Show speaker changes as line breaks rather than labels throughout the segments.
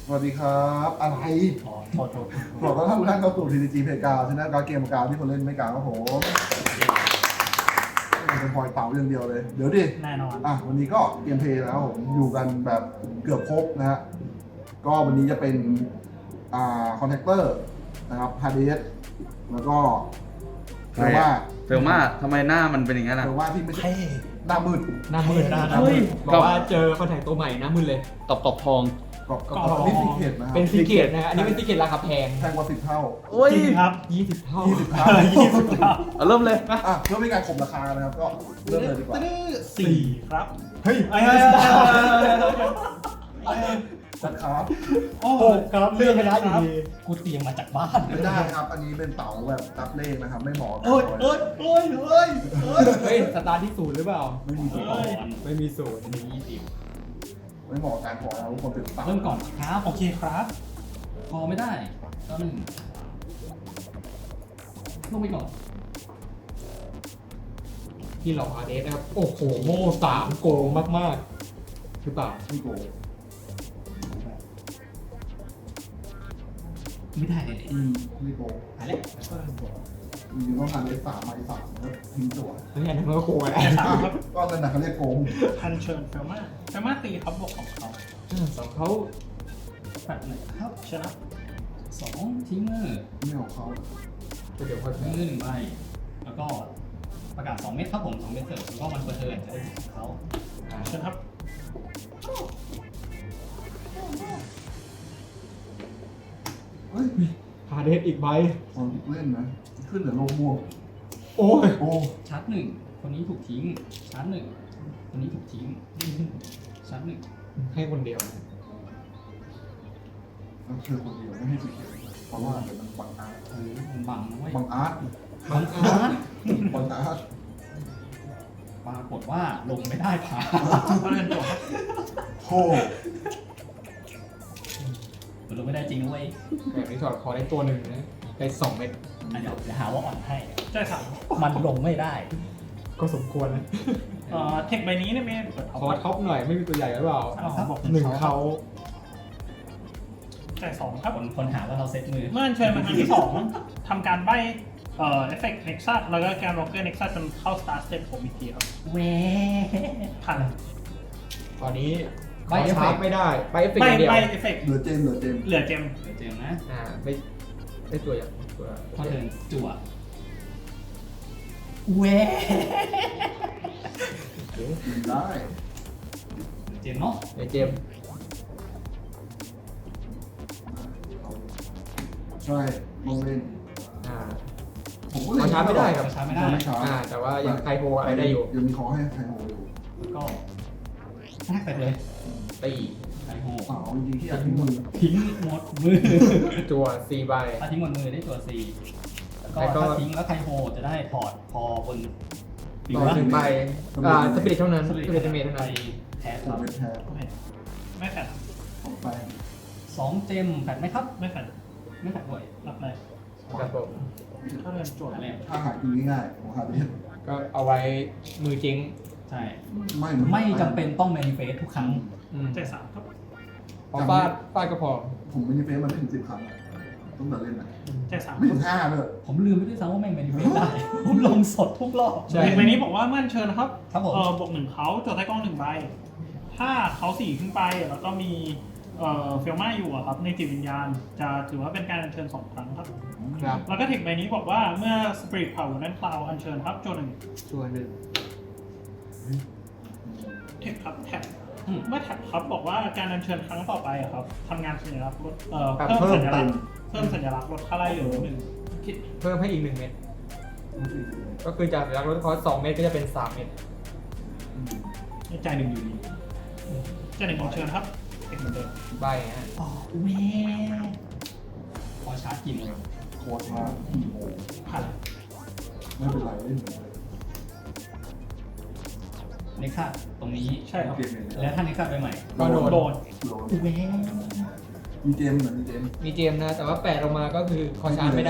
สวัสดีครับอะไร
โทษ
บอกว่าทุกท่านเข้าสู่ TCG Playground ชนะการเกมการที่คนเล่นไม่กลางครับผมเป็นพอยเต่าอย่างเดียวเลย เดี๋ยวดิ
แน่นอน
วันนี้ก็เกมเพลย์แล้วผมอยู่กันแบบเกือบครบนะฮะก็วันนี้จะเป็นคอนแทคเตอร์นะครับฮาร์ดเดสแล้วก็เฟลว่า
เฟลมาทำไมหน้ามันเป็นอย่างนั้น
เฟ
อ่ะ
ลว่าที่ไม่ใช่หน้ามืด
หน้ามืด
เฮ้ย
บอกว่าเจอคอนแทคตัวใหม่หน้ามืดเลย
ตบทอง
ก็นี่ซีเคร็ตนะครับ
เป็นซีเกตนะฮะอันนี้เป็นซีเกตราคาแพง
แพงกว่า10 เท่า
โอ้ย
จริงครับ
20 เท่า
20 เท่า
20ครับ
เอาเริ่มเลยนะ
เพื่อไม่การข่มราคานะครับก็เริ่มเลยดีกว่า
4ครับ
เฮ้ย
ไอ้
สัตว์ครับ
โอ้ครับเลื่อนไปแล้วอยู่ดีกูเตรียมมาจากบ้าน
ไม่ได้ครับ อันนี้เป็นเต๋าแบบรับเลขนะครับ ไม่เหมาะกับ
เอ้ยเอ้ยเอ้ยเอ้ยเอ้ย
เฮ้ยสตาร์ทที่ศูนย์หรือเปล่า
ไม่มีตัว
ไม่มีศูนย์
มี20
ไม่เหมาะกับการขอเราทุกคนเป็นเต๋า
เริ่มก่อนครับโอเคครับ พอไม่ได้ก็หนึ่งลงไปก่อน
ที่หลอกอาเดสนะครับ โอ้โหโม่3โกงมากๆหรือเปล่า
ไม่โกง
ไม่ได้
ไม่โกง
หายแล้ว
อยู่ต้องการเลข3 ใบ 3แล้วทิ้งตัว
เฮ้ยอันนั้นก็โกงแล้ว
ก็นั่นนะเขาเรียกโกง
พันเชิญเฟลมาตีครับบวกของเขา
สองเขา
แบบไหนครับ
ชนะ
2ทิ้งมือ
ไม่ของเขา
เดี๋ยวเขา
ทิ้งมือ1ใบแล้วก็ประกาศ2เม็ดครับผม2เม็ดเสริมแล้วก็มันเปิดเทิร์นจะได้ถึงเขา
เชิญครับ
เฮ้ย
อาเดสอีกใบ
ตอนเล่นนะ ขึ้นเหลือโลม่วง
โอ้ย
โอ้
ชาร์จ1คนนี้ถูกทิ้งชาร์จ1คนนี้ถูกทิ้งชาร์จ1
ให้คนเดียว
แล้วเธอคนเดียวไม่ให้สีเขียวเพราะว่าเดี๋ยวมันบังอาร์ต
มันบังนะเว้ย
บังอาร์ต
บังอาร์ต
บังอาร์ต
ปรากฏว่าลงไม่ได้ผ่า
ก็เล่นตัวครับ
โอ้
มันลงไม่ได้จริงนะเว้ย
แบบนี้ถอดคอได้ตัวหนึ่งนะได้2 เม็ด
เดี๋ยวหาว่าอ่อนให้
ใช่ครับ
มันลงไม่ได้
ก็สมควรนะ
เทคใบนี้เนี่ยไม่เปิด
ขอท็อปหน่อยไม่มีตัวใหญ่หรือเปล่า
บอก
หนึ่งเขา
จ่าย2ครับ
คนหาว่าเราเซ็ตมือ
เมื่อเชิญมาครั้งที่2ทำการใบเอฟเฟกต์เน็กซัสแล้วก็การร็อกเกอร์เน็กซัสจนเข้าสตาร์ทสเตปผมอีกทีครับ
เว้
ผ่าน
ตอนนี้
ใบ
เขา
เอฟเฟ
ชาร์
ก
จ
ต์
ไม่ได้ไปเอฟเฟก
ใบ
ต์อย่างเดียว
ใบเอฟเฟกต์
เหลือเจมส์เหลือเจมส์
เหลือเจม
เดี๋ยวเจอนะ
ไม่ตัวอย่างตัว
พอเดินจั่วเว้
กินได้
เจมเนาะ
ในเจม
ใช่ลงเล่น
อ่า
ผมก็เล่น
เขาชาร์จไม่ได้ครับ
ช้าไม่ได้
ไม่ช้า
แต่ว่ายังไคโฮอะไรได้อยู่
ยังมีขอให้ไทโฮอยู่
แล้วก็แทกไปเลย
ตี
ไอโฮ
เปล่าจริงๆที่อยากทิ้งมือ
ทิ้งหมดมือ
จัว4 ใบ
ถ้าทิ้งหมดมือได้ตัว C แล้วก็ถ้าทิ้งแล้วไคโฮจะได้ถอดพอบน
ต่อ1 ใบสปิริตเท่านั้นสปิริตเมทเท่า
ไป
นั้น
แพ้ค
ผม
รับ
เป็นแพ้
โอเคไม่แฟด
ผมไป
2เจมแฟดไหมครับ
ไม่แฟด
ไม่แฟดด้วย
รับเลย
ครับผม
เข้าเดินโจทย์
อะไร
ถ้าหากินง่ายๆผมหาเล่น
ก็เอาไว้มือจริง
ใช่
ไม่
จำเป็นต้อง manifest ทุกครั้ง
จ่าย3ครับ
พอฟาดก็พอ
ผมไม่ได้เฟซมันไม่ถึง10 ครั้งอะต้องแต่เล่นนะ
จ่าย3
ไม่ถึง5เลย
ผมลืมไปด้วยซ้ำว่าแม่ง manifest ได้ ผมลงสดทุกรอบ
ใช่
เทคใบนี้บอกว่าเมื่อเชิญนะครับ
ครับผม
บวก1เขาโจทย์ใต้กล้อง1ใบถ้าเขา4ขึ้นไปแล้วก็มีเฟลมาอยู่อะครับในจิตวิญญาณจะถือว่าเป็นการอัญเชิญ2 ครั้งครับ
ครับ
แล้วก็เทคใบนี้บอกว่าเมื่อสปิริตเผานั้นคลาวอัญเชิญครับโจหนึ่ง
ตัวหนึ่ง
เทคครับแท็บเมื่อแท็บครับบอกว่าการอัญเชิญครั้งต่อไปอะครับทำงานสัญลักษณ์ลดเพิ่มสัญลักษณ์ลดค่าไล่เหลือ1คิด
เพิ่มให้อีก1 เม็ดก็คือจากจากลดคอร์ส2 เม็ดก็จะเป็น3 เม็ด
จ่าย1อยู่ดีจ่าย1อัญเชิญครับเทคเหมือนเดิม
ใบฮะ
อ๋อเว้พอชาร์จกินเลย
โค้ดมากี่โมง
ผ่าน
ไม่เป็นไรเล่นเหมือนเดิม
เน็กซัสตรงนี้
ใช่ครับ
เกมอย่างเดียว
แล้วถ้าเน็กซัสไปใหม่
ก็โดน
โดน
โดน
เว้
มีเจมส์เหมือนมีเจมส์
มีเจมนะ แต่ว่า8ลงมาก็คือคอชาร์จไม่ได้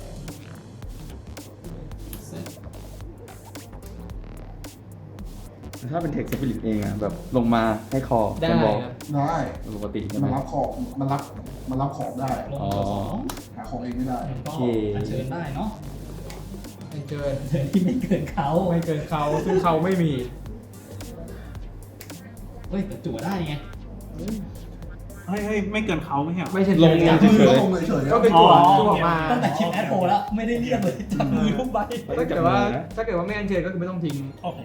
เสร็จ
ถ้าเป็นเทคสปิริตเองอะแบบลงมาให้คอ
ได้
เป็นบอก
ครับ
ได้
ปกติใช่ไหม
มันรับของได้
ลงตัวสอง
หาของเองไม่ได้
แล้วก็
โอเค
อัญเชิญได้เนาะ
ไม่เกิน
อัญเชิญที่ไม่เกินเขา
ไม่เกินเขาซึ่งเขาไม่มี
เฮ้ยแต่จั่วได้ไง
เฮ้ยไม่เกินเขาไม่ใช่เหรอ
ไม่ใช่
ลง
เกิน
คือ
เฉย
ก็ลงเฉยๆ
ก็เป็น
อ๋
ตัว
อ
ตัวออกมา
ตั้งแต่คลิปแอดโปแล้วไม่ได้เรียกเลยจับมือทุกใบ
ถ้าเกิดว่าไม่อันเชิญก็คือไม่ต้องทิ้ง
โอเค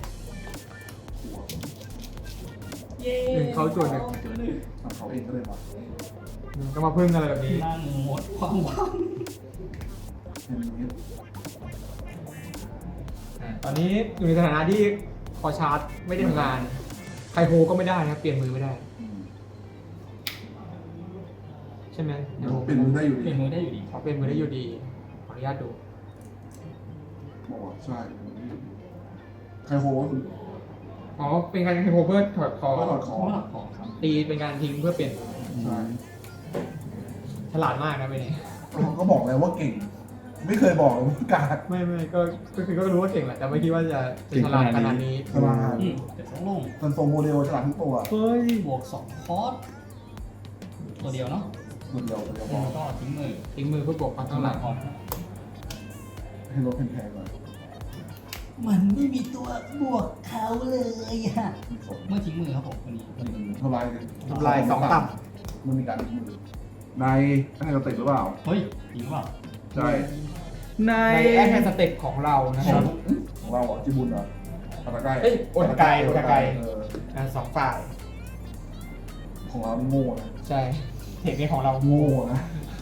เย้
หนึ่งเขาจั่วหนึ่ง
จั่วหนึ่ง
หาเขาเองก็เลยมา
ก็มาพึ่งอะไรแบบนี้
นั่งหมดความหวัง
เป็นอย่างนี้
ตอนนี้อยู่ในสถานะที่คอชาร์จไม่ได้ทำงานไคโฮก็ไม่ได้นะครับเปลี่ยนมือไม่ได้
อืม
ใช่ไหม
เปลี่ยนมือได้อยู่
เป
ดี
ลี่ยนมือได้อยู่ดี
เขาเปลี่ยนมือได้อยู่ดีขออนุญาตดู
บอกว่าใช่ใครโหก็คือ
อ๋อเป็นการไคโฮเพื่อถอดคอ
ก็ถอดข
ข
อ
อง งของครับ
ตีเป็นการทิ้งเพื่อเปลี่ยน
ใช่
ฉลาดมากนะไปเนี่ย
ก็บอกแล้วว่าเก่ง ไม่เคยบอกเลยว่ากาด
ไม่ก็คือก็รู้ว่าเก่งแหละแต่ไม่คิดว่าจะฉลาดขนาดนี้
ฉลาด
เดี๋ยวสองลง
ซันโซโมเดลฉลาดทุกตัว
เฮ้ย
บวกสองคอร์สตัวเดียวเนาะ
ตัวเดียวพ
แล้ว
อ
ก็ทิ้งมือ
ทิ้งมือเพื่อบวกความ
ข้า
เท่าง ไห
ห
ร่
ลังคอร์ส
ให้รถแพงๆหน่อย
มันไม่มีตัวบวกเขาเลยอะเมื่อทิ้งมือครับผมวันนี้
ทำลาย
ทำลายสองต่
มันมีการทิ้งมือในให้เราติดหรือเปล่า
เฮ้ยจริงเปล่า
ใช่
ใน
ำในแอดแทนสเต็ปของเรานะครับ
ของเราอ่ะจิบุนเหรอปาตาไก
เอ้ยโอตาไกโอตาไก
เออ
สองฝ่าย
ของเรานี่โง่นะ
ใช่เทคนิคของเรา
โง่นะ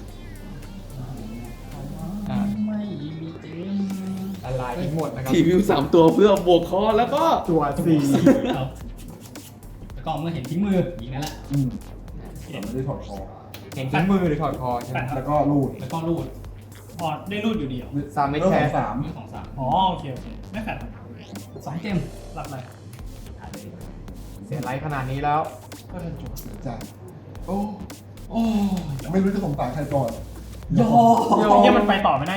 ไม่มีเจม
ละลายทิ้งหมดนะครับ
ทีวิว3 ตัวเพื่อบวกคอแล้วก็
ตัวสี่
ครับแล้วก็เมื่อเห็นทิ้งมือยิงนั่นแหละ
อืมแต่ไม่ได้ถอดคอ
เห็นทิ้งมือหรือถอดคอใช่ไหม
แล้วก็รูด
แล้วก็รูด
อ๋อได้รูดอยู่ดีเหรอ
สามเม็ด
เรื่อง
แค
ขอ
ส
งสาม
มือของสาม
อ๋อโอเคไม่แฟดครับ
สองเจม
รับอะไร
เสียไลท์ขนาดนี้แล้ว
ก็เป็นจุด
ใช่
โอ้โอ้
ไม่รู้จะสงสารใครก่อน
ยอ
เนี่ยมันไปต่อไม่ได้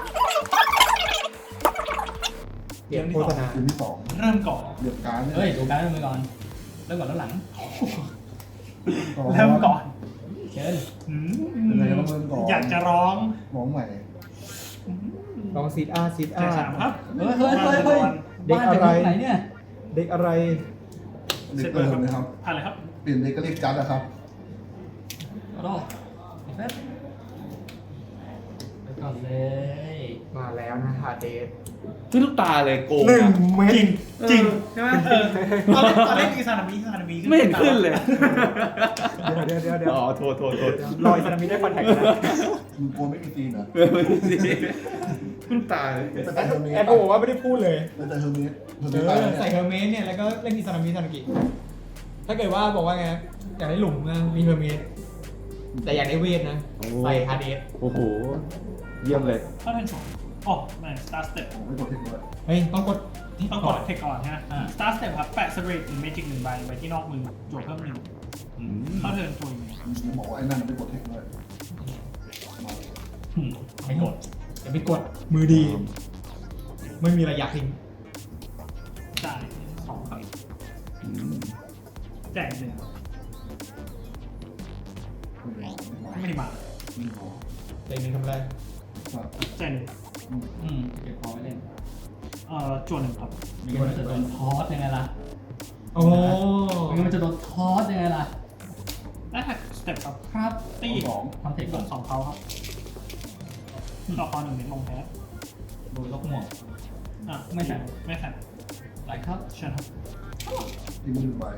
เปลี่ยนโฆษณา
เกมที่สอง
เริ่มก่อน
เดือดการเนี่ย
เฮ้ยดูการดมือก่อนเริ่มก่อนแล้วหลัง
เริ่มก่อน
เชิญ
อืม
เป็นไงก็เริ่มก่อน
อยากจะร้อง
ร้องใหม่
ลองซีดอาซีด
แจ
อาก
สามครับ
เฮ้ยบ้านจากไหนเนี่ย
เด็กอะไร
เด็กเติมเลยครับ
ผ่านเลยครับ
เปลี่ยนเด็กก็เรียกจัดนะครับ
รอแป๊บไปก่อนเลย
มาแล้วนะฮาเดส
ขึ้นลูกตาเลยโกง
หนึ่ง
อะ
เม็ด
จริง
ใช่ไหม
ตอนเล่นอีซานามิขึ้น
ไม่เห็นขึ้นเลย
เดี๋ยว
อ๋อโทษ
ลอยซานามิได้คอนแทคนะ
มึงกลัวไม่มีตีนเหรอ
ไม่สิขึ้นตาเลย
เป็นแต่เฮอร์เมส
แอดโอบอกว่าไม่ได้พูดเลย
เป็นแต่เฮอร์เมสเฮอร์เม
เอ
สตาย
อ
แล้ว
ใส่
เนี่ย
เฮอร์เมสเนี่ยแล้วก็เล่นอิซานามิซานากิถ้าเกิดว่าบอกว่าไงอยากได้หลุมนะมีเฮอร์เมสแต่อยากได้เวทนะใส่ฮาเดส
โอ้โห เยี่ยมเลย
เข้าเทิร์นสองอ๋อไม่สตาร์สเต็ป
ผมไม่กดเทคด้วย
เฮ้ยต้องกด
ต้องกดเทคก่อนฮะสตาร์สเต็ปครับแปะสเตรทหรือเมจิก1 ใบไว้ที่นอกมือจวดเพิ่ม 1เข้าเทิร์นตัวหนึ่ง
ผมบอกว่าไอ้นั่นไม่กดเทคด้วย
ไม่กด
อย่าไปกดมือดี ไม่มีระยะทิ้ง
จ่าย2ครับแจก1ไม่ได้มา
เลยนึงทำอะไร
แจก1
เก็บพอไว้เล่น
จวด1ครับ
ไม่งั้นมันจะโดนทอสยังไงล่ะ
โอ้
ไม่งั้นมันจะโดนทอสยังไงล่ะ
และแท็กสเต็ปครับ
ครับ
ตี
สอง
ทำเทค
ก
ก่อน
ด2เขาครับต่อคอ1เม็ดลงแพ้
โดยลกหมวก
ไม่แฟดไม่แฟด
ไหลครับ
เชิญครับ
ที่มือไป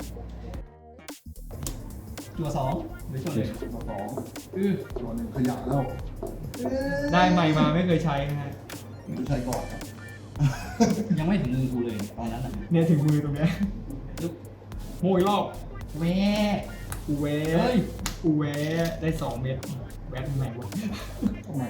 จั่วสองหรือจั่วหนึ่ง
ตัวสอง ตัวหนึ่งขยะแล้ว
ได้ใหม่มาไม่เคยใช้นะฮะ
ไม่ใช่ก่อนครับ
ยังไม่ถึงมือกูเลยตอนนั้นอ่ะ
เนี่ยถึงมือตรงเนี้ย
ยุบ
โมยรอบ
แว
กูแว
เฮ้ย
กูแวได้2 เม็ดแวะตรงไหนวะ
ทำไม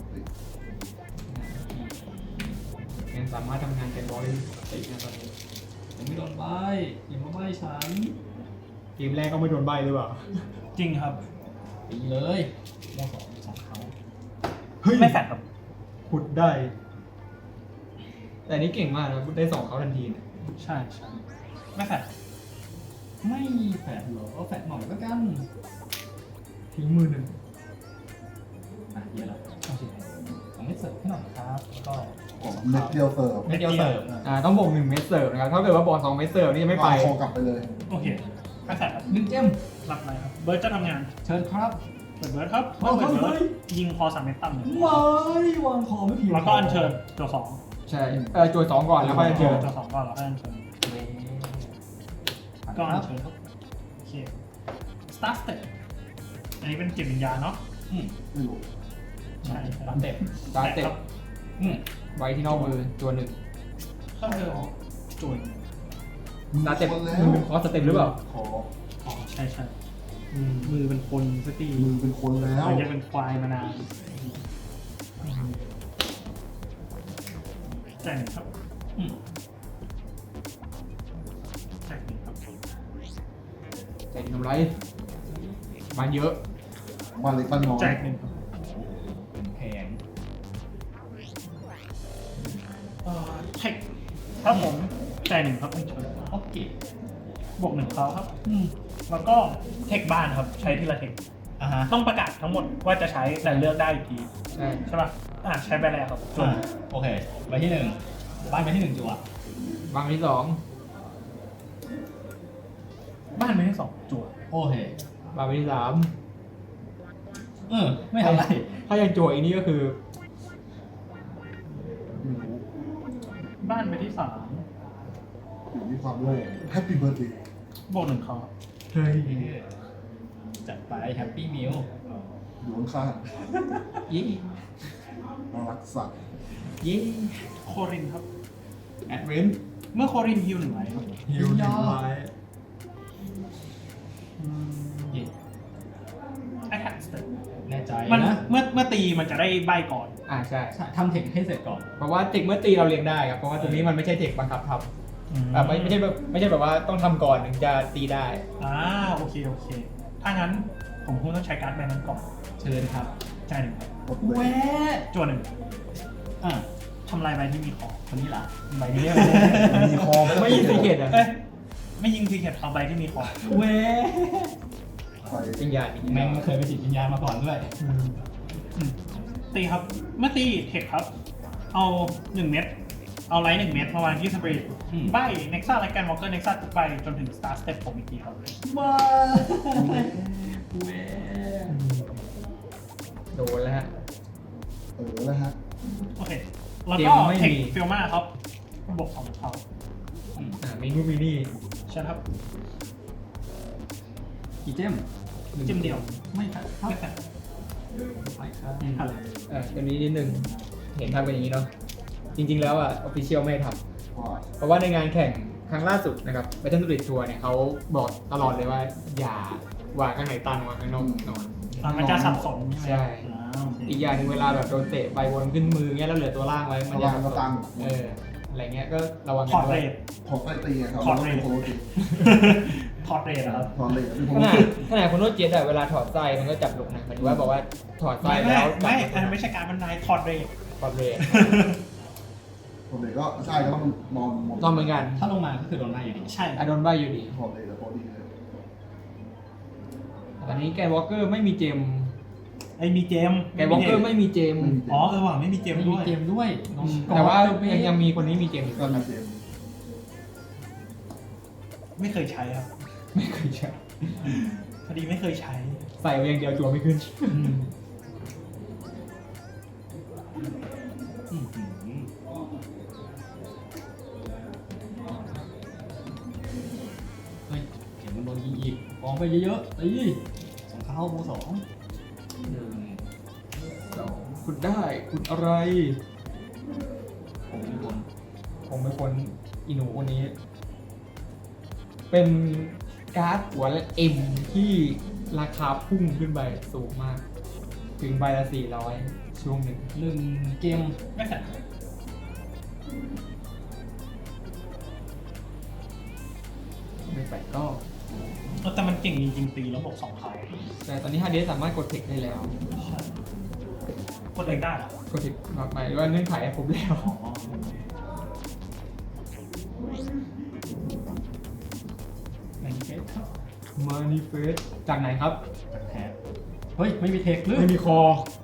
ยังสามารถทำงานเป็นบอลได้ปกตินะตอนนี้
ยังไม่โดนใบอย่ามาใบฉัน
เกมแรกก็ไม่โดนใบหรือเปล่า
จริงครับ
ตีเลยโมสองเขา
เฮ้ย
ไม่แฟดครับ
ขุดได้ แต่อันนี้เก่งมากนะได้2เขาทันทีนะ
ใช่ใช่ไม่แฟด
ไม่แฝดเหรอเอาแฝดหน่อยแล้วกัน
ทิ้งมือหนึ่ง
อ่ะเยอะแล้วโอเคเอาไม่เสิร์ฟให้หน่อยครับแล้วก็
ของเม็ดเดียวเสิร์ฟ
เม็ดเดียวเสิร์ฟต้องบวก1 เม็ดเสิร์ฟนะครับถ้าเกิดว่าบอล2 เม็ดเสิร์ฟนี่ไม่ไป
เอาคอกลับไปเลย
โอเคไม่แฟดครับ
หนึ่งเจม
รับอะไรครับเบิร์ดจะทำงาน
เชิญครับ
เปิดเบิร์ดครับเมื่อเปิดเบิร์ดยิงคอ3 เม็ดต่ำหนึ่ง
ไม่วางคอไม่ผิด
แล้วก็อัญเชิญตัวสอง
ใช่โจทย์2ก่อนแล้วค่อยเจอ
ตัวสองก่อนแล้วก็อัญเชิญก็อัญเชิญครับโอเค start step อันนี้เป็นจิตวิญญาณเนาะ
ไม่รู้
ใช่
ตามเต็ป
ตาเตะ
อืม
ไว้ที่นอกมือตัวหนึ่ง
เข้าเธอจุน
ตาเตะ
คนแล้ว
มือเป็นคอสเต็ปหรือเปล่า
ขอ
อ๋อใช่ใช่มือเป็นคนสักที
มือเป็นคนแล้ว
มันจะเป็นควายมานานแจกหนึ่งครับ
อืม
แจกหนึ่งครับ
ใจทำไรมันเยอะ
บ้านเล็กบ้านน้อย
แจกหนึ่งครับ
เป็นแพง
เทคครับผมแจกหนึ่งครับอัญเชิญ
โอเค
บวกหนึ่งเขาครับ แล้วก็เทคบ้านครับใช้ทีละเทค
อ่าฮะ
ต้องประกาศทั้งหมดว่าจะใช้แต่เลือกได้อีกที
ใช่
ใช่ป่ะใช้ไปแล้วครับจุน
โอเคใบที่หนึ่งบ้านใบที่หนึ่งจั่ว
บางที่
บ้านไม่ได้สองจั่ว
โอเค
2บางที่
ไม่ทำไร
3ถ้ายังโจทย์อีกนี่ก็คือ
ไม่รู้
บ้านไปที่สาม
อยู่ที่ความโลภแฮปปี้เบิร์ดเดย์
บวกหนึ่งเขา
เฮ้ย
จัดไปแฮปปี้มิล
อยู่ข้าง
ยี่
ๆน่ารักสัตว์
ยี่
โครินครับ
แอดเวนต์
เมื่อโครินฮิวหนึ่งไว้ครับ
ฮิวหนึ่งไว้
เย่
attack step
แน่ใจ
มัน
นะ
เมื่อตีมันจะได้ใบก่อน
ใช่
ใช่ทำเทคให้เสร็จก่อน
เพราะว่าเทคเมื่อตีเราเรียงได้ครับเพราะว่าตัวนี้มันไม่ใช่เทคบังคับทำไม่ใช่แบบว่าต้องทำก่อนถึงจะตีได้
โอเคโอเค ถ้างั้นผมคงต้องใช้การ์ดใบนั้นก่อน
เชิญครับ
จ่ายหนึ่งครับ
กดเลย
แวะ
จั่วหนึ่ง
อ่ะ
ทำลายใบที่มีของ
คนนี้ล่ะ
ใบนี้
มีคอ
ไม่ยิงซีเกตอ่ะ
เอ้ยไม่ยิงทีเข็ดเอาใบที่มีของ
แวะ
ไป
จริงอย่างนี้
แม่งไม่เคยไปจิตวิญญาณมาก่อนด้วย
ตีครับ เมื่อตีเทคครับ เอา1 เม็ดเอาไลท์1 เม็ดมาวางที่สปริต
อืม
ใบเน็กซ่าและกันวอลเกอร์เน็กซ่าทุกใบจนถึงสตาร์สเต็ปผมอีกทีครับ
ว้าแวะ
โดนแล้วฮะ
แล้วฮะ
โอเค แล้ว
เก
ก็
มไม่
เทค
มี
ฟิลมาครับบวกของเขา
มีนู่นมีนี่
ใช่ครับ
กี่เจม
จิ้มเดียว
ไม่ครับ
ไม่แต่
ไปครับ
อะไร
ตัวนี้นิดนึงเห็นทำเป็นอย่างนี้เนาะจริง ๆ แล้วออฟฟิเชียลไม่ทำ
ว่า
เพราะว่าในงานแข่งครั้งล่าสุดนะครับ Battle Street Tour เนี่ยเขาบอกตลอดเลยว่า อย่าวางข้างไหนตันวางข้างนอกนอน
มันจะสับสนใช่ไหม
ใช่
โอเค
อีกอย่างหนึงเวลาแบบโดนเตะใบวนขึ้นมือเงี้ยแล้วเหลือตัวล่างไว้มัน
ระ
จะ
วังกระตัง
อะไรเงี้ยก็ระวัง
ถ
กั
อน ด
ด้
เร
วย
ท
ถอดไส้ตีครับ
ถอดเรท
โคโรติ
ถอดเรทนะครับ
ถอดเลยเป็นโค
ข
โร
นาด
ติ
ขนาดคนโน้ตเจ็ตอะเวลาถอดไส้มันก็จับลุกนะหมายถึงว่าบอกว่าถอดไส้
ไม่
แล้ว
ไม่
จับ
อันนั้นไม่ใช่การบรรยายถอดเรท
ถอดเลย
ถอดเลยก็ใช่ก็ต้องนอนหมด
นอนเหมือนกัน
ถ้าลงมาก็คือโดนหน้าอยู่ดี
ใช่
อะโดนใบอยู่ดี
ถอดเลยแล้วพอดีเลย
ตอนนี้แกนวอลเกอร์ไม่มีเจม
ไอ้มีเจม
แกนวอลเกอร์ไม่มีเจม
อ๋อว่ะไม่มีเจม
ไม่
ด้
มี
วย
เกมด้วยน้อง
แต่ว่ายังมีคนนี้มีเจมอีก
ก็มีเกม
ไม่เคยใช้ครับ
ไม่เคยใช้
พอดีไม่เคยใช้
ใส่ไว้อย่างเดียวจัวไม่ขึ้น
เฮ้ยเดี๋ยวมันโดนยิงอีกกองไปเยอะๆตีสองเข้าโมสอง
คุณได้คุณอะไร
ผมเป็นคน
ผมเป็นคนอีหนูคนนี้ เป็นการ์ดหัวและเอ็มที่ราคาพุ่งขึ้นไปสูงมาก ถึงใบละ400ช่วงหนึ่ง
1เกม
ไม่แต่
ไม่ไปก็
แต่มันเก่งจริงๆตีแล้วบวก2 เขา
แต่ตอนนี้ฮาร์ดเดสสามารถกดเทคได้แล้ว
กดเองได้เหรอก
ดเทคหมายว่าเงื่อนไขให้ครบแล้ว
อ๋อ
ครับ
มานิเฟสจากไหนครับ
แพ้เฮ้ย ไม่มีเทคหรือ
ไม่มีคอ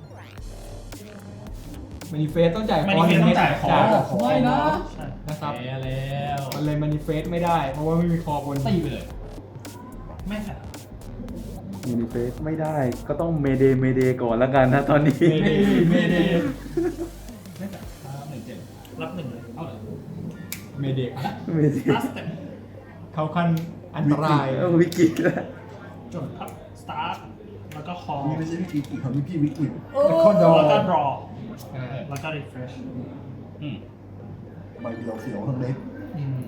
มานิเฟสต้องจ่ายคอ
Manifest ต้องจ่ายคอ
ไม่นะ
ใช่
นะครับ
แพ้แล้ว
มันเลยมานิเฟสไม่ได้ เพราะว่าไม่มีคอบน
ตีไปเลย
ไม่แท็บ
ยูนิเฟสไม่ได้ก็ต้องเมเดก่อนแล้วกันนะตอนนี้
เมเด
ไม่แต่1-7
รับหนึ่งเลย
เอาเลย
เมเด
เมเด
ลัสเต็ป
เข้าขั้นอันตราย
วิกฤตแล้ว
จดครับสตาร์ทแล้วก็คอ
นี่ไม่ใช่วิกฤตอีกครับนี่พี่วิกฤต
แล้วก็ดอ
แล้วก็ดรอ
อ่า
แล้วก็รีเฟรช
อืม
ใบเดียวเสียวทั้งเล็ก
อืม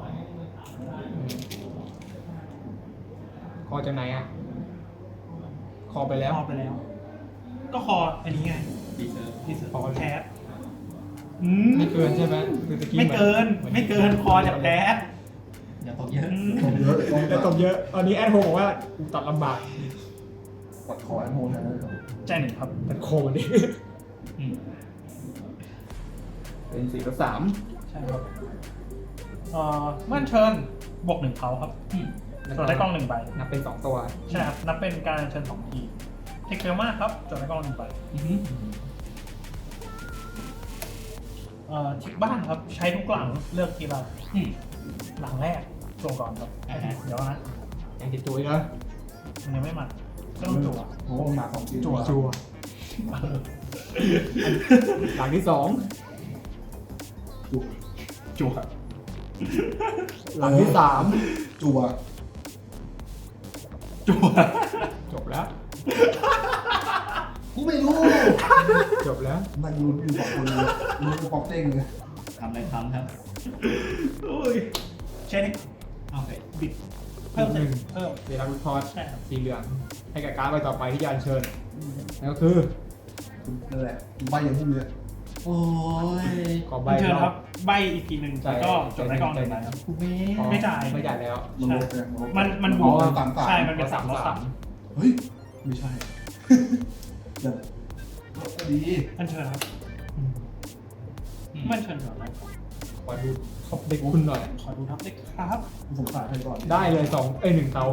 คอจากไหนอ่ะ คอไปแล้ว
คอไปแล้ว ก็คออันนี้ไง
ดีเซอร์
ดิส
คอ
แคส
ไม่เกินใช่ไหมคือตะกี้
ไม่เกิน
หมือ
ไม่เกินคอจากแคส
อย่าตกเยอะ
ตรงเยอะต้อง
แต่ตบเยอะ ตอนนี้แอดโฮบอกว่าตัดลำบาก
ปัดคอแอนโฮแทนเลยครับ
ใจหนึ่งครับ
ตัดโคมันดิ
อืม
เป็น4 กับ 3
ใช่ครับมั่นเชิญบวกหนึ่งเขาครับ
อืม
จดได้กล้องหนึ่งใบ
นับเป็น2ตัว
ใช่ครับ นับเป็นการเชิญสองทีเทคเร็วมากครับจดได้กล้องหนึ่งใบ
อือหือ
ทิกบ้านครับ ใช้ทุกหลังเลือกทีละ
อืม
หลังแรกส่งก่อนครับ
อ่าฮะ
เดี๋ยวนะ
ยังติดตัวอีกแล้ว
มันยังไม่มาก็ต้องจั่ว
โอ้โหหมาของจริง
จั่ว
จัวหลังที่2
จั่ว
จั่ว
หลังที่
จั่ว
จั่ว
3 จบแล้ว
กูไม่รู้
จบแล้ว
นั่งลุ้นอยู่สองคนเลยลุ้นกับป๊อกเต้งเลย
ทำอะไรทำครับ
โอ้ยใช่นี่
โอเค
บิดเพิ่ม
หนึ่ง
เพิ่ม
เวลาวิเคราะห์
ใช่ครับ
สีเหลือง ให้กับการ์ดใบต่อไปที่จะอัญเชิญนั่นก็คือ
นั่นแหละใบอย่างพวกเนี้ย
โอ้ย
ขอใบ
เชิญ
รอ
ครับ ใบอีกทีหนึ่งแล้วก็จดได้กล้องหนึ่งใบครับ
กูเม่
อ๋อ
ไม่จ่าย
ไม่จ่ายแล้ว
มันลดไงลด
มันบ
อ๋อ
วก
สามสาม
ใช่ มันเป็นสามลดสาม
เฮ้ย ไม่ใช่ เดี๋ยวก็ดี
อันเชิญครับ
อืม
มันเชิญก่อนนะ
ขอดูท็อปเด็กคุณหน่อย
ขอดูทับเด็กครับ
สงสารใครก่อน
ได้เลย1เขา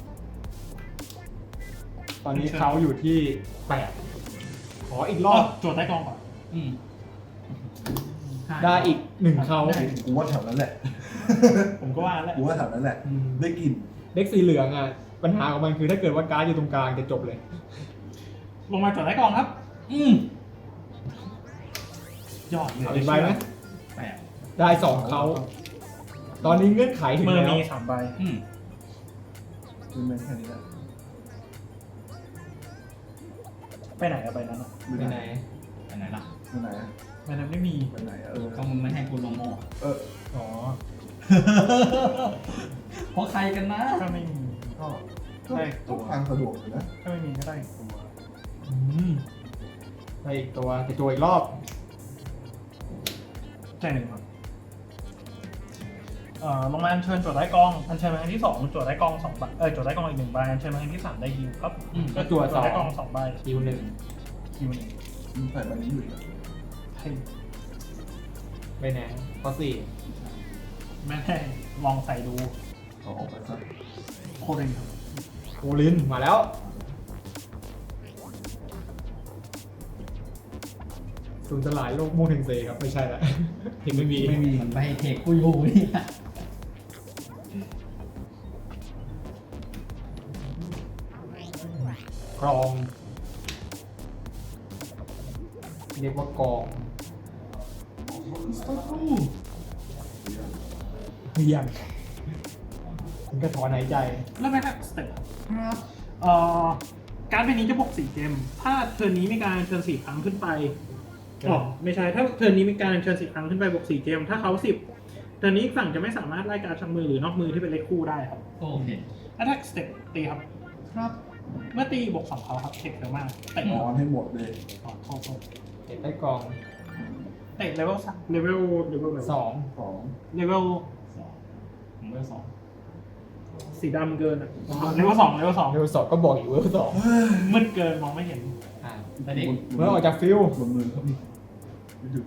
ตอนนี้เขาอยู่ที่ 8 ขออีกรอบ
จดได้กล้องก่อน
อืม
ได้อีก1เขา
กูว่าแถวนั้นแหละ
ผมก็ว่าแล้ว
กูว่าแถวนั้นแหละ
อืม
ได้กลิน
เด็กสีเหลืองอ่ะ ปัญหาของมันคือถ้าเกิดว่าการ์ดอยู่ตรงกลางจะจบเลย
ลงมาจดได้กล้องครับ
อืม
ยอดเลย
เอาอีกใบไหม
แปด
ได้ 2เขาตอนนี้เงื่อนไขถึง
มือ
แล้ว
มี3ใบ
อืม
เป็นแมนแค่นี้แหละ
ไปไหนอะใบนั้นอะ
ไปไหน
ไปไหนล่ะ
ไปไหนอะ
ใบนั้นไม่มี
ไปไหนอะเออ
ก็มึงไม่ให้กูลงโม่
เออ
อ๋อ
เพราะใครกันนะ
ถ้าไม่มี
ก็
ได้
ก็ทางสะดวกอยู่นะ
ถ้าไม่มีก็ได้อีกตัว
อืมได้อีกตัวจะตัวอีกรอบ
ใจหนึ่งครับลงมาอัญเชิญจดได้กล้องอัญเชิญมาครั้งที่2จดได้กล้อง2ใบจดได้กล้องอีก1ใบอัญเชิญมาครั้งที่3ได้ฮิวครับ
ก็จั่ว
จดได้กล้อง2ใบ
คิว1
ฮิวหนึ่ง
มึงใส่ใบนี้อยู่อีกอะ
ให้
ไปไหนข้อ
แม่ให้ลองใส่ดู
เอาออกไปซะ
โคเรนครับ
4โอลินมาแล้ว สูญสลายโลกโมเทนเซครับ ไม่ใช่ละยังไม่มี
ไม่มีมันไปเทคกูอยู่นี่
กรอง เรียกว่ากองเฮียงถึงกระถอนหายใจ
แล้วแม่ครับสเต็ป
ครับ
การ์ดใบนี้จะบวก4เกมถ้าเทิร์นนี้มีการอัญเชิญ4ครั้งขึ้นไป
ครับ
อ๋อไม่ใช่ ถ้าเทิร์นนี้มีการอัญเชิญ4ครั้งขึ้นไปบวก4เกมถ้าเขา10เทิร์นนี้อีกฝั่งจะไม่สามารถไล่การ์ดจากมือหรือนอกมือที่เป็นเลขคู่ได้ครับ
โอเค
Attack Step ตีครับ
ครับ
เมื่อตีบวก2เขาครับเทคเร็วมากเตะ
นอนให้หมดเลย
โทษ
เห็นได้กอง
เตะเลเวล3เลเวล
2
สอง
เลเวล
สองผมเวลสอง
สีดำเกินอะเลเวล2เลเวล
เร็วสอบก็บอกอยู่เร็วสอง
2มืดเกินมองไม่เห็น
แต่เด็ก
เมื่อออกจากฟิล
บนมือเขามีไม่ดู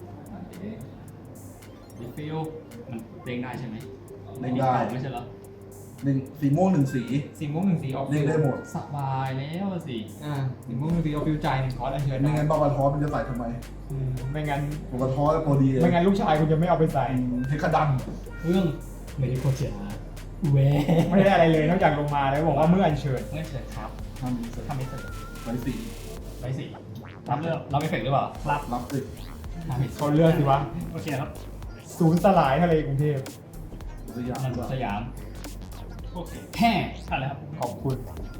ดิฟิลมันเด้งได้ใช่ไหม
เด้งได้
ไม่ใช่เหรอ
สีม่วง1 สี
สีม่วงหนึ่งสีออฟ
เรียกได้หมด
สบายแล้วสิ
สีม่วงหนึ่งสีออฟฟิวจ่ายหนึ่งคอร์สอันเชิญ
ไม่งั้นบอลกระท้อมันจะใส่ทำไม
ไม่งั้น
บอลกระท้อแล้วตัวดีเลย
ไม่งั้นลูกชายคุณจะไม่เอาไปใส่
เทคดัม
เรื่องไม่ได้โคจาแหว
ไม่ได้อะไรเลยนอกจากลงมาแล้วบอกว่าเมื่ออัญเชิญ
ไม่เสร็จครับ
ทำดีเสร็จ
ทำไม่เสร็จ
ไว้สี
ไปสิรับเลือกรับไม่เสร็จหรือเปล่า
รับ
รับสิ
ทำไม่เสร็จ
เขาเลือกสิวะ
โอเคครับ
ศูนย์สลายทะเลกรุงเทพ
สยาม
มันสยาม
โอเค
แห่
อะไรครับ
ขอบคุณ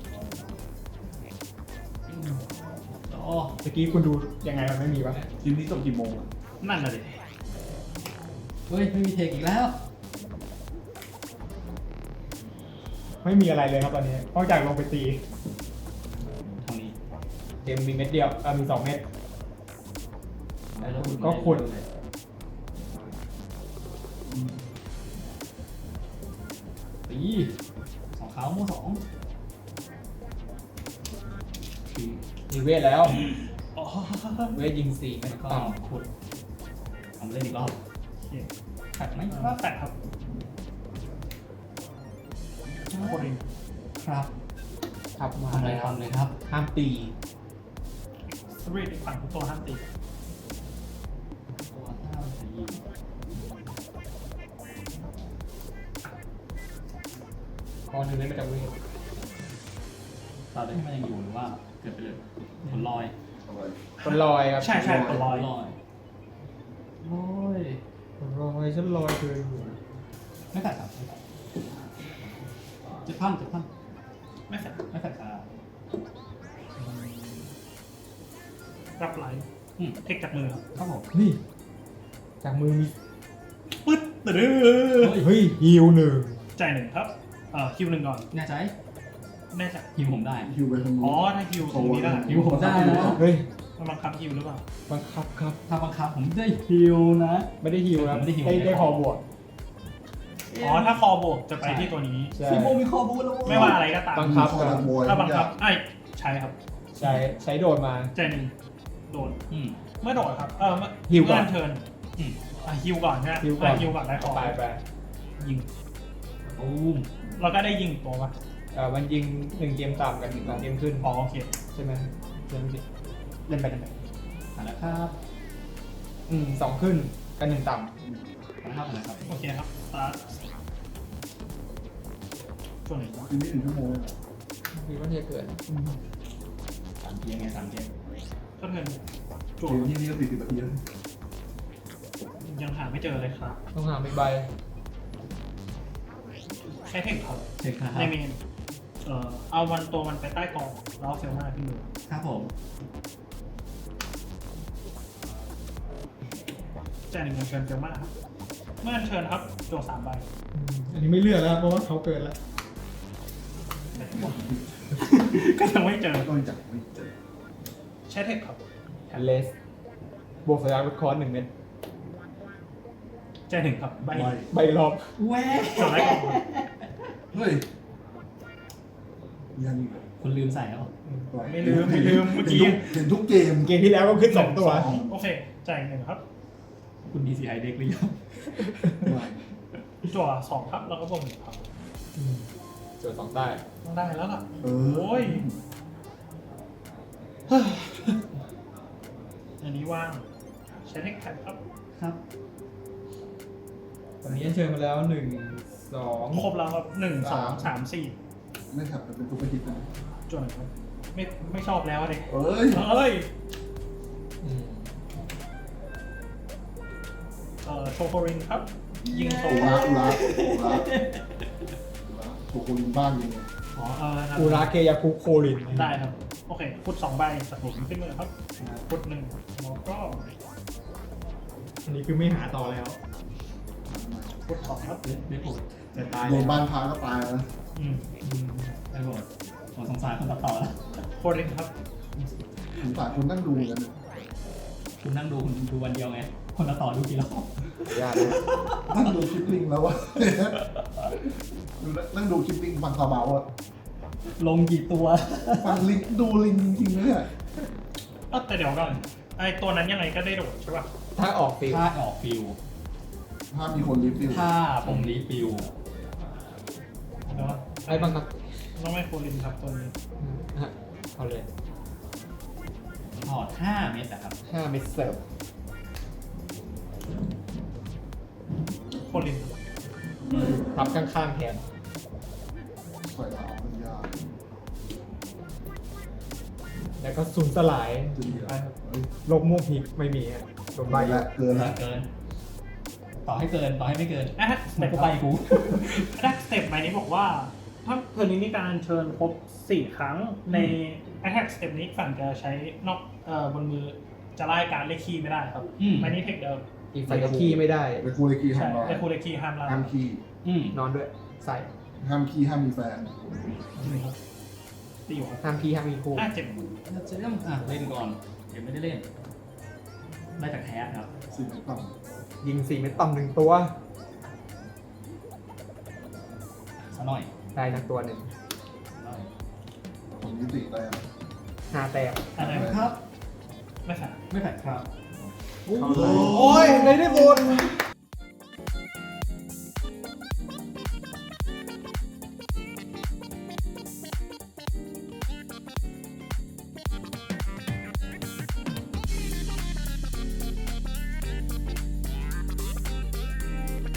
โอ้
ตะกี้คุณดูยังไงมันไม่มีวะ
ทีมนี้จบกี่โมงอะ
นั่นน่ะดิ
เฮ้ยไม่มีเทคอีกแล้ว
ไม่มีอะไรเลยครับตอนนี้นอกจากลงไปตี
ทางนี้
เกมมีเม็ดเดียวมี2 เม็ด
แล้วคุณ
ก็ขุด
ตีสองขาวโม่สอง
มีเวทแล้ว
อ๋อ
เวทยิง4 เม็ด
แล้วก็
ต่
ขุดทำเล่นอีกรอบ
โอเค
ขัดไหมค
ว่า
รับ
แปดครับโคตรดี
ครับ
ำขับมา
ทำอะไร
แล้ว
ทำเลยครับ
ห้ามตี
สวีทอีกฝั่งทุกตัวห้ามตี
ตัวห้าสี
คอหนึ่งเล่นมาจากเวท
ตอนนี้มันยังอยู่หรือว่าเกิดไปเลยผลลอย
อะไร
คนลอยครับ
ใช่ใช่ตัวลอย
ลอยโอ้ย
คนลอยฉันลอยเธออยู่
ไม่ขัดครับ7,000
ไม่แฟด
ไม่ขัดครับ
รับไลท์
อืม
เทคจากมือครับ
ครับผม
นี่ จากมือมี
ปึ๊ดตื้อ
เฮ้ยฮิวหนึ่ง
จ่ายหนึ่งครับคิวหนึ่งก่อน
แน่ใจ
แน่ใจ
ฮิวผมได้
ฮิวไปทาง
อ๋อ
นู้น
ถ้าคิวตรงนี้ได้
ฮิวผมได้นะ
เฮ้ย
มันบังคับคิวหรือเปล่า
บังคับครับ
ถ้าบังคับผมได้ฮิวนะ
ไม่ได้ฮิวครับ
ไม่ได้ฮิว
ได้คอบวก
อ๋อ ถ้าคอบวกจะไปที่ตัวนี้
ใช่
ซีโมมีคอบูแล้ว
ไม่ว่าอะไรก็ตาม
บังคับ
คอนักมวย
ถ้าบังคับไอ้ยใช่ครับ
ใช้โดดมา
จ่ายหนึ่งโดน
อืม
เมื่อโดดครับ เมื่อ
ฮิวก่อน
เมื่เชิญ
อืม
ฮิวก่อนใช่ไหม
ฮิวก่อน
ฮิวก่อนได้คอ
ไป
ยิง
ตูม
เราก็ได้ยิงตัวปะ
มันยิง1 เกมต่ำกับ1 เกมขึ้น
อ๋อโอเค
ใช่ไหมเล่นผิดเล่นไปเล่นไป
เอาละครับ
2 ขึ้นกับ1 ต่
เอาละครับ
โอเคครับสตาร์ทช่วงไหนวะ
ทีมนี้1 ชั่วโมง
ำมีว่าจะเกิด
3 เกมไง3 เกม
ก็เทิร์นจั่ว
เกมที่นี่ก็40 นาทีแล้ว
ยังหาไม่เจอเลยครับ
ต้องหา1 ใบ
ใช้เทคครับ
เช็คครับ
ในเมนเอาตัวมันไปใต้กองแล้วเอาเซลมาขึ้นมือ
ครับผม
จ่ายหนึ่งเงินเชิญเซลมาครับ เมื่อเชิญครับจั่ว3 ใบ
อันนี้ไม่เลือกแล้วเพราะว่าเขาเกิดแล้ว
ก็ยังไม่เจอ
ก็จับไม่เจอ
ใช้เทคครับ
แอนเลสบวกสัญญาณลดคอร์ส1 เม็ด
จ่ายหนึ่งครับใบ
ไม่
ใบรอบ
แหว
จั่วได้กองครับ
เฮ้ยยังอีกเหรอ
คุณลืมใส่แล้ว
ไม่ลืมเมื่อกี้
เห็นทุกเกม
เกมที่แล้วก็ขึ้น 2 ตัว
โอเคจ่ายหนึ่งครับ
คุณ DCI เด็กหรือยัง
จั่ว2ครับแล้วก็บวก1ครับ
เจอ2 ได้
ต้องได้แล้วล่ะ
เออ
โอ้ย อันนี้ว่างใช้เทคแท็บครับ
ครับ
ตอนนี้เชิญมาแล้ว1 2
ครบแล้วครับ1 2 3 4
ไม่ขับเป็นตัวไปคิดนะ
จั่วหนึ่งครับไม่ชอบแล้วเด็ก
เอ้ย
เอ้ย
อืม
โชโครินครับ ยิงโซ
อุระอุระอุระโชกุนบ้านยิงไง
อ๋อครับ
อูราเคยาคุโคลิน
ได้ครับ โอเคฟุต2 ใบสักหลุมขึ้นมือครับฟุต1แล้วก็
อันนี้คือไม่หาต่อแล้ว
ฟุต2ครับ
ไม่ปวด
จะตาย
โดนบ้านพาก็ตายแล้วนะ
อืม
ไม่ปวดผมสงสารคนตัดต่อแล้ว
โครินครับ
สงสารคนนั่งดูกัน
คุณนั่งดูคุณดูวันเดียวไง คนตัดต่อดูกี่รอบ
ยากเลย
นั่งดูคลิปลิงแล้ววะนั่งดูคลิปลิงฟังซาเบาอะ
ลงกี่ตัว
ฟังลิงดูลิงจริงๆนะเนี่ย
แต่เดี๋ยวก่อนไอตัวนั้นยังไงก็ได้โดดใช่ป่ะ
ถ้าออกฟิล
ถ้าออกฟิว
ถ้ามีคนรีวิว
ถ้าผมรีฟิว
แล้ว
ไอ้บังคับ
ต้องไม่โคลินครับตัวนี้
เอาเลย
ถอด5 เม็ดนะครับ
5 เม็ดเสิร์ฟ
โคลิน
ทับข้างๆแทน
ใส่ดาวเป็นยาก
แล้วก็สูญสลาย
จริงๆเฮ้ย
โลกม่วงพิกไม่มีอะโดนใบ
ไปแล้วเกินแล้ว
เกิน ต่อให้เกิน ต่อให้ไม่เกิน
แอทส
มั
เต็
น
ป
ก็ไปกู
แอทสเต็ปใบนี้บอกว่า ถ้าเทอร์นนี้มีการอัญเชิญครบ 4 ครั้งใน Attack Step นี้ฝั่งจะใช้นอกบนมือจะไล่การเลขคีย์ไม่ได้ครับ
อืม
ใบนี้เทคเดิม
อีกฝ่ายจะขี้ไม่ได้
ไปคูเลกี
ใช่
ห้ามรอ
เลคูเลคีย์ห้ามไล่
ห้ามคีย์
อืม
นอนด้วย ใส่
ห้ามคีย์ห้ามมีแฟน
ตีอยู่ครับ
ห้ามพี่ห้ามมีคู่
เจ็บ
เราจะเริ่มเล่นก่อน เดี๋ยวไม่ได้เล่น ได้จากแคสครับ
สิ่งต่
ยิง4 เม็ดต่ำ1 ตัว
ซะหน่อย
ได้ทั้งตัวหนึ่ง
หน่อย
ำผมยุติแต้ม
5 แต้ม
อะไร
ครับ
ไม่ใช่
ไม่แผ่ครับ
โอ้ยในที่สุด